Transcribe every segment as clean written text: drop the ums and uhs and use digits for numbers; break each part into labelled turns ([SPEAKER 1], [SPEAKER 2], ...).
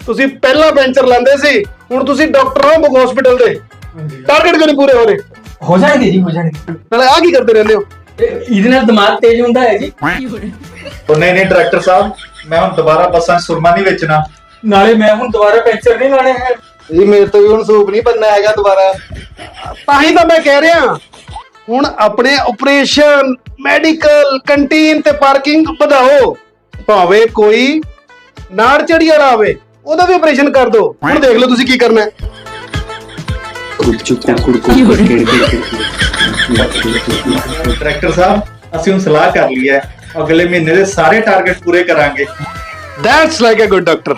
[SPEAKER 1] ਤੁਸੀਂ ਪਹਿਲਾਂ ਪੈਂਚਰ ਲਾਉਂਦੇ ਸੀ, ਹੁਣ ਤੁਸੀਂ ਡਾਕਟਰ ਹੋ ਬੁੱਕ ਹਸਪੀਟਲ ਦੇ। ਟਾਰਗੇਟ ਕਿਉਂ ਨਹੀਂ ਪੂਰੇ ਹੋ ਰਹੇ?
[SPEAKER 2] ਹੋ ਜਾਣਗੇ ਜੀ, ਹੋ ਜਾਣਗੇ।
[SPEAKER 1] ਨਾਲੇ ਆ ਕੀ ਕਰਦੇ ਰਹਿੰਦੇ ਹੋ?
[SPEAKER 2] ਇਹਦੇ ਨਾਲ ਦਿਮਾਗ ਤੇਜ਼ ਹੁੰਦਾ ਹੈ ਜੀ।
[SPEAKER 3] ਉਹ ਨਹੀਂ ਨਹੀਂ ਡਾਇਰੈਕਟਰ ਸਾਹਿਬ, ਮੈਂ ਹੁਣ ਦੁਬਾਰਾ ਬੱਸਾਂ 'ਚ ਸੁਰਮਾ ਨਹੀਂ ਵੇਚਣਾ।
[SPEAKER 2] ਨਾਲੇ ਮੈਂ ਹੁਣ ਦੁਬਾਰਾ ਪੈਂਚਰ ਨਹੀਂ ਲਾਣੇ ਹੈ
[SPEAKER 1] ਜੀ ਮੇਰੇ ਤੋਂ ਵੀ ਹੁਣ ਸੂਪ ਨਹੀਂ ਬੰਨਾ ਹੈਗਾ ਦੁਬਾਰਾ। ਤਾਂ ਹੀ ਤਾਂ ਮੈਂ ਕਹਿ ਰਿਹਾ, ਹੁਣ ਆਪਣੇ ਆਪਰੇਸ਼ਨ, ਮੈਡੀਕਲ, ਕੰਟੀਨ ਤੇ ਪਾਰਕਿੰਗ ਵਧਾਓ। ਭਾਵੇਂ ਕੋਈ ਨਾੜ ਚੜੀ ਵਾਲਾ ਆਵੇ, ਉਹਦਾ ਵੀ ਆਪਰੇਸ਼ਨ ਕਰ ਦਿਓ। ਹੁਣ ਦੇਖ ਲਓ ਤੁਸੀਂ ਕੀ ਕਰਨਾ ਹੈ।
[SPEAKER 3] ਡਾਇਰੈਕਟਰ ਸਾਹਿਬ, ਅਸੀਂ ਹੁਣ ਸਲਾਹ ਕਰ ਲਈ ਹੈ, ਅਗਲੇ ਮਹੀਨੇ ਦੇ ਸਾਰੇ ਟਾਰਗੇਟ ਪੂਰੇ ਕਰਾਂਗੇ।
[SPEAKER 1] That's like a good doctor.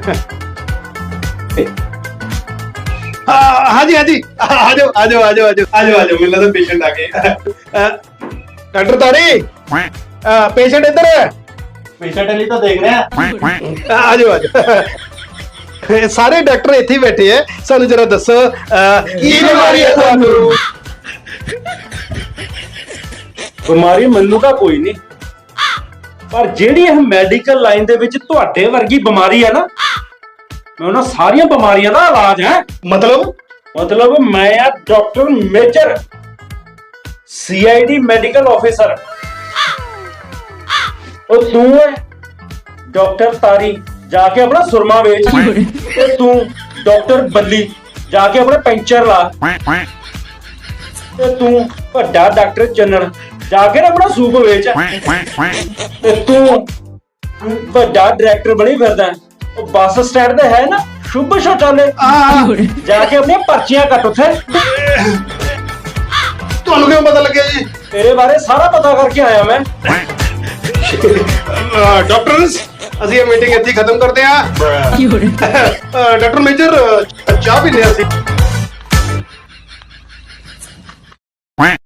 [SPEAKER 1] हाँ जी, आ जाओ मिलना तो पेशेंट आ गए। डॉक्टर तारी, पेशेंट इधर है।
[SPEAKER 3] पेशेंट अली तो देख रहे हैं।
[SPEAKER 1] आ जाओ। सारे डॉक्टर इत्थे ही बैठे हैं, सानू जरा दसो की बीमारी है तुहानू?
[SPEAKER 4] ਬਿਮਾਰੀ ਮੈਨੂੰ ਤਾਂ ਕੋਈ ਨਹੀਂ, ਪਰ ਜਿਹੜੀ ਇਹ ਮੈਡੀਕਲ ਲਾਈਨ ਦੇ ਵਿੱਚ ਤੁਹਾਡੇ ਵਰਗੀ ਬਿਮਾਰੀ ਹੈ ਨਾ, ਮੈਂ ਉਹਨਾਂ ਸਾਰੀਆਂ ਬਿਮਾਰੀਆਂ ਦਾ ਇਲਾਜ ਹੈ।
[SPEAKER 1] मतलब
[SPEAKER 4] ਮੈਂ ਆ doctor major, CID medical officer. ਉਹ ਤੂੰ ਹੈ ਡਾਕਟਰ ਤਾਰੀ, ਜਾ ਕੇ ਆਪਣਾ ਸੁਰਮਾ ਵੇਚ। ਤੇ ਤੂੰ ਡਾਕਟਰ ਬੱਲੀ, ਜਾ ਕੇ ਆਪਣਾ ਪੈਂਚਰ ਲਾ। ਤੇ ਤੂੰ ਵੱਡਾ ਡਾਕਟਰ ਚੰਨਣ, ਜਾ ਕੇ ਆਪਣਾ ਸੂਪ ਵੇਚ। ਤੇ ਤੂੰ ਵੱਡਾ ਡਾਇਰੈਕਟਰ ਬਣੀ ਫਿਰਦਾ, ਉਹ ਬੱਸ ਸਟੈਂਡ ਤੇ ਹੈ ਨਾ ਸ਼ੁਭ ਸ਼ੌਚਾਲੇ, ਜਾ ਕੇ ਆਪਣੀਆਂ ਪਰਚੀਆਂ ਕੱਟ ਉੱਥੇ।
[SPEAKER 1] ਤੁਹਾਨੂੰ ਕਿਉਂ ਪਤਾ ਲੱਗਿਆ ਜੀ?
[SPEAKER 4] ਤੇਰੇ ਬਾਰੇ ਸਾਰਾ ਪਤਾ ਕਰਕੇ ਆਇਆ ਮੈਂ।
[SPEAKER 1] ਡਾਕਟਰਸ, ਅਸੀਂ ਇਹ ਮੀਟਿੰਗ ਇੱਥੇ ਖਤਮ ਕਰਦੇ ਹਾਂ। ਡਾਕਟਰ ਮੇਜਰ, ਚਾਹ ਵੀ ਲਿਆ ਸੀ।